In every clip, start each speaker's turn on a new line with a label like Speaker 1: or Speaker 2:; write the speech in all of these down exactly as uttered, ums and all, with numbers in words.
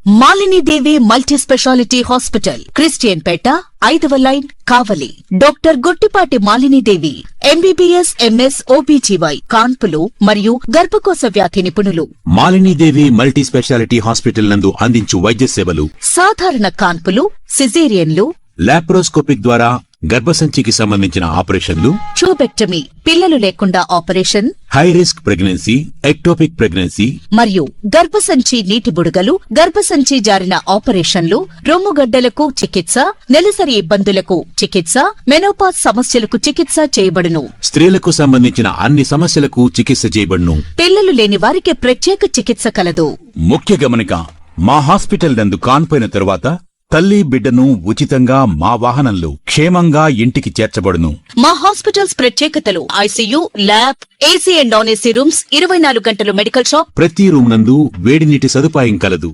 Speaker 1: Malini Devi multi speciality hospital, Christian Peta, ఐదవ line, Kavali. Doctor Guttipati Malinidevi, MBBS, MS, OBGY, కాన్పులు మరియు గర్భకోశ వ్యాధి నిపుణులు.
Speaker 2: మాలినీదేవి మల్టీ స్పెషాలిటీ హాస్పిటల్ నందు అందించు వైద్య సేవలు:
Speaker 1: సాధారణ కాన్పులు, సిజేరియన్లు,
Speaker 2: లాప్రోస్కోపిక్ ద్వారా గర్భసంచికి సంబంధించిన ఆపరేషన్లు,
Speaker 1: ట్యూబెక్టమీ, పిల్లలు లేకుండా operation,
Speaker 2: high risk pregnancy, ectopic pregnancy
Speaker 1: మరియు గర్భసంచి నీటి బుడగలు, గర్భసంచి జారిన ఆపరేషన్లు, రొమ్ముగడ్డలకు చికిత్స, నెలసరి ఇబ్బందులకు చికిత్స, మెనోపాజ్ సమస్యలకు చికిత్స చేయబడును.
Speaker 2: స్త్రీలకు సంబంధించిన అన్ని సమస్యలకు చికిత్స చేయబడును.
Speaker 1: పిల్లలు లేని వారికి ప్రత్యేక చికిత్స కలదు.
Speaker 2: ముఖ్య గమనిక: మా హాస్పిటల్ నందు కాన్పోయిన తరువాత తల్లి బిడ్డను ఉచితంగా మా వాహనంలో క్షేమంగా ఇంటికి చేర్చబడును.
Speaker 1: మా హాస్పిటల్స్ ప్రత్యేకతలు: ICU, lab, AC and non AC rooms, ఇరవై నాలుగు గంటలు మెడికల్ షాప్,
Speaker 2: ప్రతి రూమ్ నందు వేడి నీటి సదుపాయం కలదు.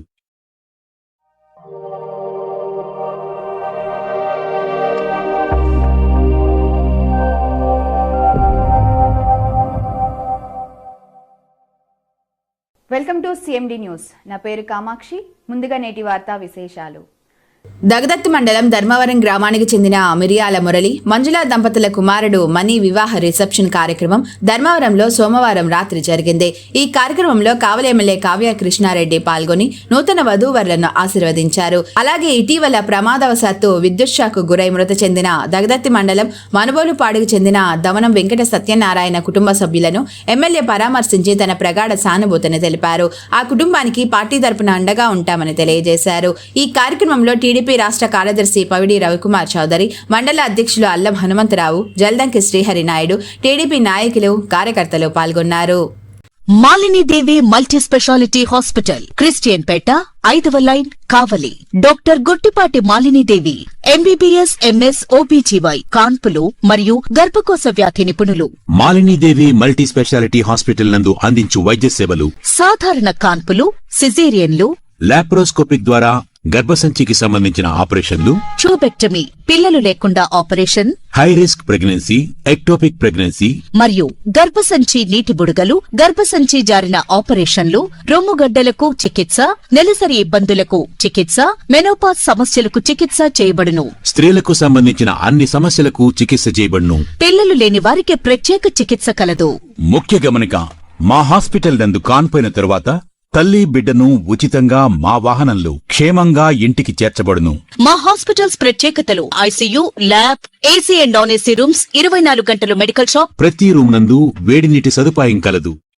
Speaker 3: Welcome to CMD news. నా పేరు కామాక్షి. ముందుగా నేటి వార్తా విశేషాలు.
Speaker 4: దగదత్తి మండలం ధర్మవరం గ్రామానికి చెందిన మిరియాల మురళి, మంజుల దంపతుల కుమారుడు మణి వివాహ రిసెప్షన్ కార్యక్రమం ధర్మవరంలో సోమవారం రాత్రి జరిగింది. ఈ కార్యక్రమంలో కావలి ఎమ్మెల్యే కావ్య కృష్ణారెడ్డి పాల్గొని నూతన వధూవరులను ఆశీర్వదించారు. అలాగే ఇటీవల ప్రమాదవశాత్తు విద్యుత్ షాక్ గురై మృతి చెందిన దగదత్తి మండలం మనుబోలుపాడుకు చెందిన దమనం వెంకట సత్యనారాయణ కుటుంబ సభ్యులను ఎమ్మెల్యే పరామర్శించి తన ప్రగాఢ సానుభూతిని తెలిపారు. ఆ కుటుంబానికి పార్టీ తరపున అండగా ఉంటామని తెలియజేశారు. ఈ కార్యక్రమంలో టీడీపీ రాష్ట్ర కార్యదర్శి పవిడి రవికుమార్ చౌదరి, మండల అధ్యక్షులు అల్లం హనుమంతరావు, జల్దంకి శ్రీహరి నాయుడు, టీడీపీ నాయకులు, కార్యకర్తలు పాల్గొన్నారు.
Speaker 1: Malinidevi multi speciality hospital, Christian Peta, ఐదవ line, Kavali. Doctor Guttipati Malinidevi, MBBS, MS, OBGY, కాన్పులు మరియు గర్భకోశ వ్యాధి నిపుణులు.
Speaker 2: మాలినీదేవి మల్టీ స్పెషాలిటీ హాస్పిటల్ నందు అందించు వైద్య సేవలు:
Speaker 1: సాధారణ కాన్పులు, సిజేరియన్లు,
Speaker 2: లాప్రోస్కోపిక్ ద్వారా గర్భసంచికి సంబంధించిన ఆపరేషన్లు,
Speaker 1: ట్యూబెక్టమీ, పిల్లలు లేకుండా operation,
Speaker 2: high risk pregnancy, ectopic pregnancy
Speaker 1: మరియు గర్భసంచి నీటి బుడగలు, గర్భసంచి జారిన ఆపరేషన్లు, రొమ్ముగడ్డలకు చికిత్స, నెలసరి ఇబ్బందులకు చికిత్స, మెనోపాజ్ సమస్యలకు చికిత్స చేయబడును.
Speaker 2: స్త్రీలకు సంబంధించిన అన్ని సమస్యలకు చికిత్స చేయబడును.
Speaker 1: పిల్లలు లేని వారికి ప్రత్యేక చికిత్స కలదు.
Speaker 2: ముఖ్య గమనిక: మా హాస్పిటల్ నందు కాన్పోయిన తరువాత తల్లి బిడ్డను ఉచితంగా మా వాహనంలో క్షేమంగా ఇంటికి చేర్చబడును.
Speaker 1: మా హాస్పిటల్స్ ప్రత్యేకతలు: ICU, lab, AC and non AC rooms, ఇరవై నాలుగు గంటలు మెడికల్ షాప్,
Speaker 2: ప్రతి రూమ్ నందు వేడి నీటి సదుపాయం కలదు.